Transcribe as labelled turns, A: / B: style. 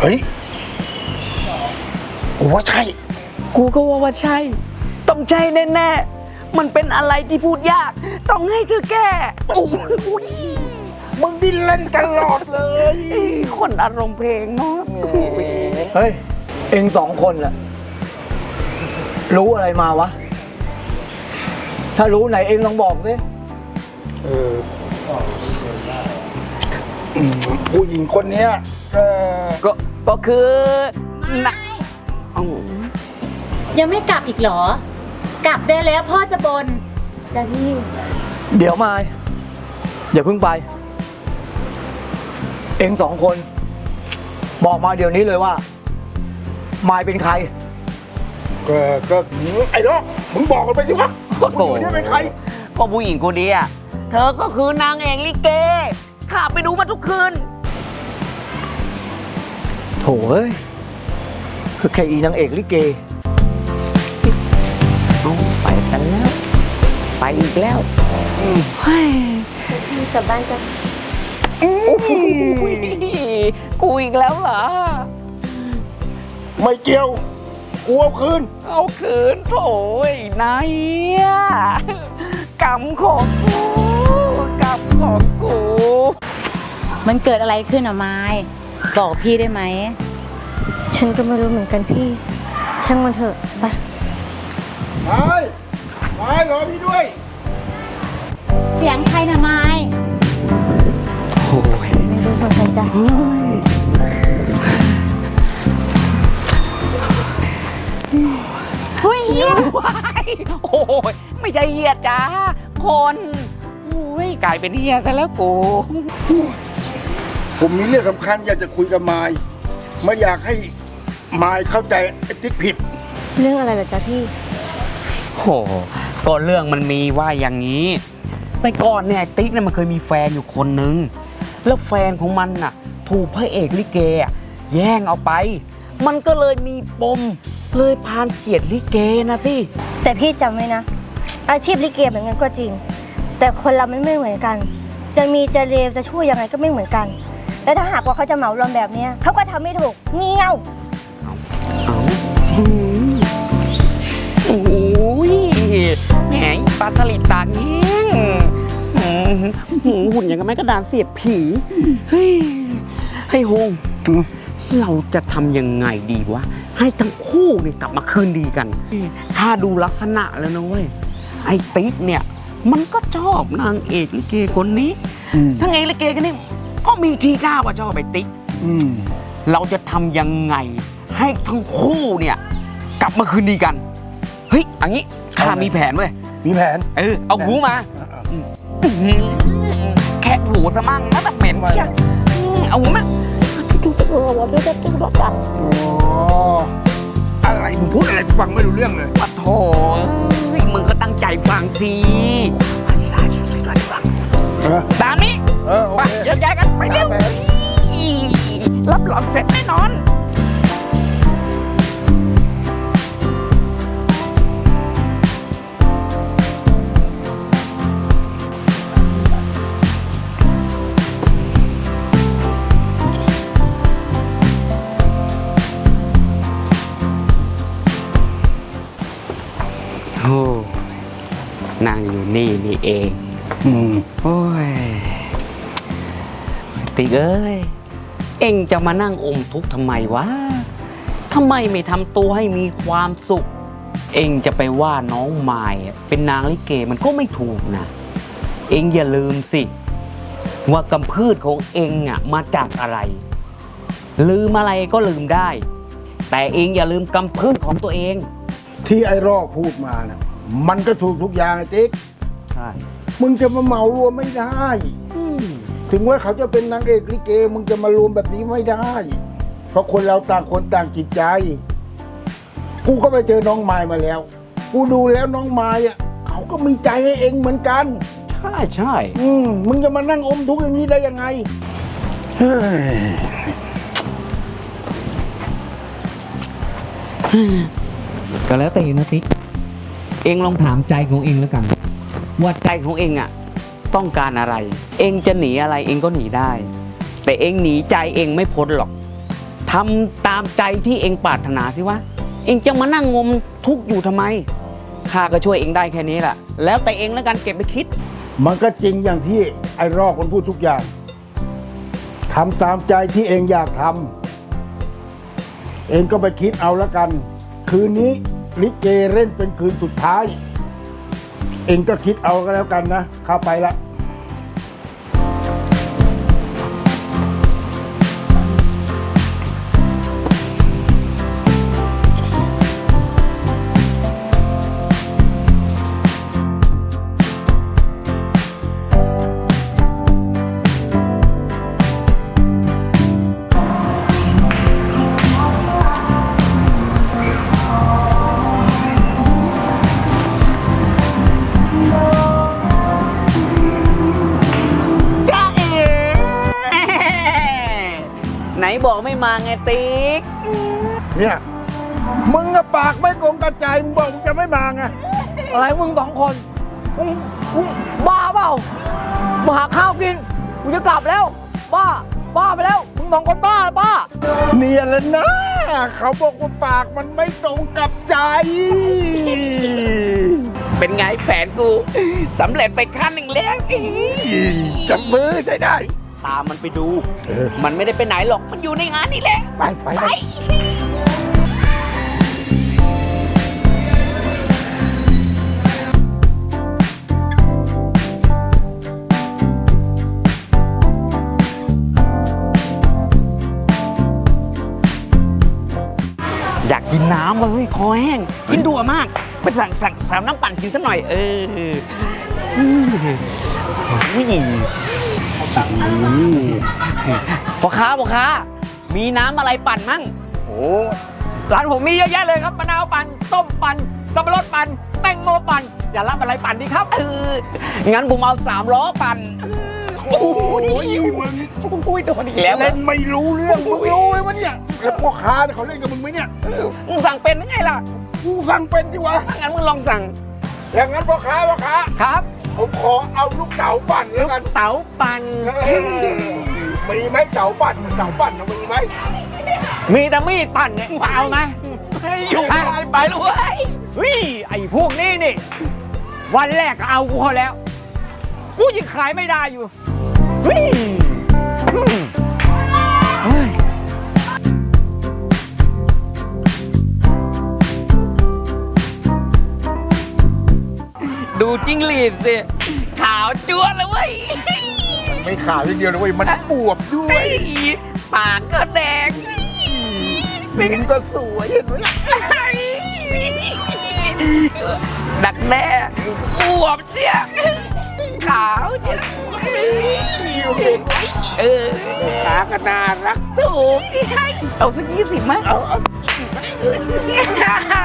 A: เฮ้ยกูว่าใช่
B: กูก็ว่าใช่ต้องใช่แน่ๆมันเป็นอะไรที่พูดยากต้องให้เธอแก้โอ้ย
A: มึงดิ้นเล่นตลอดเลย
B: คนอารมณ์เพลงเนาะ
C: เฮ้ยเอง2 คนแหละรู้อะไรมาวะถ้ารู้ไหนเองลองบอกสิ
A: ผู้หญิงคนเนี้ย
B: ก็คือนะ
D: ยังไม่กลับอีกเหรอกลับได้แล้วพ่อจะบนจ้ะพี่
C: เดี๋ยวมาอย่าเพิ่งไปเอง2 คนบอกมาเดี๋ยวนี้เลยว่ามายเป็นใคร
A: ก็ไอ้ล้อมึงบอกกันไปสิวะผู้หญิงเนี่ยเป็นใคร
B: ก็ผู้หญิงคนนี้อ่ะเธอก็คือนางเอกลิเกข้าไปดูมาทุกคืน
C: โถเอ้ยคือแค่อีนางเอกลิเก
B: เอาไปกันแล้วไปอีกแล้วเฮ้ย
D: กลับบ้านกัน
B: กูอีกแล้วเหรอ
A: ไม่เกี่ยวกูเอาคืน
B: โถ่นายกรรมของกู
D: มันเกิดอะไรขึ้นอ่ะไม้บอกพี่ได้ไหม
E: ฉันก็ไม่รู้เหมือนกันพี่ช่างมันเถอะไป
A: ไม่รอพี่ด้วย
D: เสียงใครนะไม้
B: โอ้ย
E: ไม่รู้เหมือนกันจ้ะ
B: เฮ้ยเหี้ยโอ้ยไม่ใช่เหี้ยจ้าคนโอ้ยกลายเป็นเหี้ยซะแล้วกู
A: ผมมีเรื่องสำคัญอยากจะคุยกับมายไม่อยากให้มายเข้าใจไอ้ติ๊กผิด
E: เรื่องอะไรเหรอจ๊ะพี่
B: โหก็เรื่องมันมีว่าอย่างนี้แต่ก่อนเนี่ยติ๊กเนี่ยมันเคยมีแฟนอยู่คนนึงแล้วแฟนของมันน่ะถูกพระเอกลิเกแย่งเอาไปมันก็เลยมีปมเลยพานเกลียดลิเกนะสิ
E: แต่พี่จำไว้นะอาชีพลิเกเหมือนกันก็จริงแต่คนเราไม่เหมือนกันจะมีจะเลวจะชั่วยังไงก็ไม่เหมือนกันแล้วถ้าหากว่าเขาจะเหมารวมแบบนี้เขาก็ทำไม่ถูกงี่เง่า
B: โอ้ยแหมปลาสลิดตากแห้งหุ่นอย่างกับไม้กระดานเสียบผีเฮ้ยให้ฮงเราจะทำยังไงดีวะให้ทั้งคู่เนี่ยกลับมาคืนดีกันถ้าดูลักษณะแล้วนะเว้ยไอ้ติ๊กเนี่ยมันก็ชอบนางเอกลิเกคนนี้ทั้งเอกลิเกคนนี้ก็มีทีท่าว่าชอบไอ้ติ๊กเราจะทำยังไงให้ทั้งคู่เนี่ยกลับมาคืนดีกันเฮ้ยอันนี้ข้ามีแผนเว้ย
A: มีแผน
B: เอาหูมาแค่หูซะมั่งนะแบบเหม็นเชี่ยเอาหูมา
A: อะไรมึงพูดอะไรฟังไม่รู้เรื่องเลย
B: ปะโถมึงก็ตั้งใจฟังสิตามนี้ไปเดี๋ยวย้ายกันไปเร็วรับรองเสร็จแน่นอนโอ้นั่งอยู่นี่เองโอ้ยติ๊กเอ้ยเอ็งจะมานั่งอมทุกข์ทำไมวะทำไมไม่ทำตัวให้มีความสุขเอ็งจะไปว่าน้องมายเป็นนางลิเกมันก็ไม่ถูกนะเอ็งอย่าลืมสิว่ากำพืชของเอ็งมาจากอะไรลืมอะไรก็ลืมได้แต่เอ็งอย่าลืมกำพืชของตัวเอง
A: ที่ไอ้รอกพูดมานะมันก็ถูกทุกอย่างไอ้ติ๊ก
C: ใช่
A: มึงจะมาเหมารวมไม่ได้ถึงว่าเขาจะเป็นนางเอกลิเกมึงจะมารวมแบบนี้ไม่ได้เพราะคนเราต่างคนต่างจิตใจกูก็ไปเจอน้องไม้มาแล้วกูดูแล้วน้องไม้เขาก็มีใจให้เองเหมือนกัน
B: ใช่
A: มึงจะมานั่งอมทุกข์อย่างนี้ได้ยังไง
B: ก็แล้วแต่นะติ๊กเองลองถามใจของเองแล้วกันว่าใจของเองต้องการอะไรเองจะหนีอะไรเองก็หนีได้แต่เองหนีใจเองไม่พ้นหรอกถทำตามใจที่เองปรารถนาสิวะ เองจะมานั่งงมทุกข์อยู่ทำไม ข้าก็ช่วยเองได้แค่นี้แหละ แล้วแต่เองแล้วกันเก็บไปคิด
A: มันก็จริงอย่างที่ไอ้รอกมันพูดทุกอย่างทำตามใจที่เองอยากทำเองก็ไปคิดเอาแล้วกัน คืนนี้ลิเกเล่นเป็นคืนสุดท้าย เองก็คิดเอาก็แล้วกันนะเข้าไปละ
B: จ้าเอ๋ไหนบอกไม่มาไงติ๊ก
A: เนี่ยมึงอะปากไม่กลมกระจายมึงบอกมึงจะไม่มาไง
C: อะไรมึงสองคนมึงบ้าเปล่ามาหาข้าวกินกูจะกลับแล้ว บ้าไปแล้วมึงสองคนบ้า
A: เนี่ยแหละนะเขาบอกว่าปากมันไม่ตรงกับใจ
B: เป็นไงแผนกูสำเร็จไปขั้นหนึ่งแล้ว
A: จับมือใช้ได้
B: ตามมันไปดู
A: เออ
B: มันไม่ได้ไปไหนหรอก มันอยู่ในงานนี่แหละ
A: ไป
B: อยากกินน้ำว่ะเฮ้ยคอแห้ง กินดัวมาก ไปสั่งน้ำปั่นกินสักหน่อย พ่อค้า มีน้ำอะไรปั่นมั่ง
C: โอ้ร้านผมมีเยอะแยะเลยครับมะนาวปั่นส้มปั่นสับปะรดปั่นแตงโมปั่นจะรับอะไรปั่นดีครับ
B: งั้นผมเอา3 ล้อปั่น
A: โอ้ยมึง
B: โอ้ยโดนอีกแล้ว
A: เล่นไม่รู้เรื่องมึงรู้ไหมวะเนี่ยแล้วพ่อค้าเนี่ยเขาเล่นกับมึงไหมเนี่ย
B: มึงสั่งเป็นยังไงล่ะ
A: กูสั่งเป็นที่วะ
B: งั้นมึงลองสั่ง
A: อย่างนั้นพ่อค้า
C: ครับ
A: ผมขอเอาลูกเต๋าปั่นแล้วกัน
C: เต๋าปั่น
A: มีไหมเต๋าปั่นนะมีไหม
C: มีแต่มีดปั่นเนี่ยเอาไหม
B: ให้อยู่ไปเลยเว้ย
C: เฮ้ยไอ้พวกนี้นี่ วันแรกก็เอากูเขาแล้ว กูยังขายไม่ได้อยู่เฮ้ยเฮ้ย
B: ดูจิ้งหรีดสิ ขาวจั๊วเลยเว้ย
A: ไม่ขาวอย่างเดียวเลยเว้ยมันบวบด้วย
B: ปากก็แดง
A: ลิ้นก็สวยเห็นไหมล่ะ
B: ดักแด้อวบเชียขาวเชีย
A: ขาก็น่ารัก
B: ถูกเอาสัก20มั้ย
A: เอา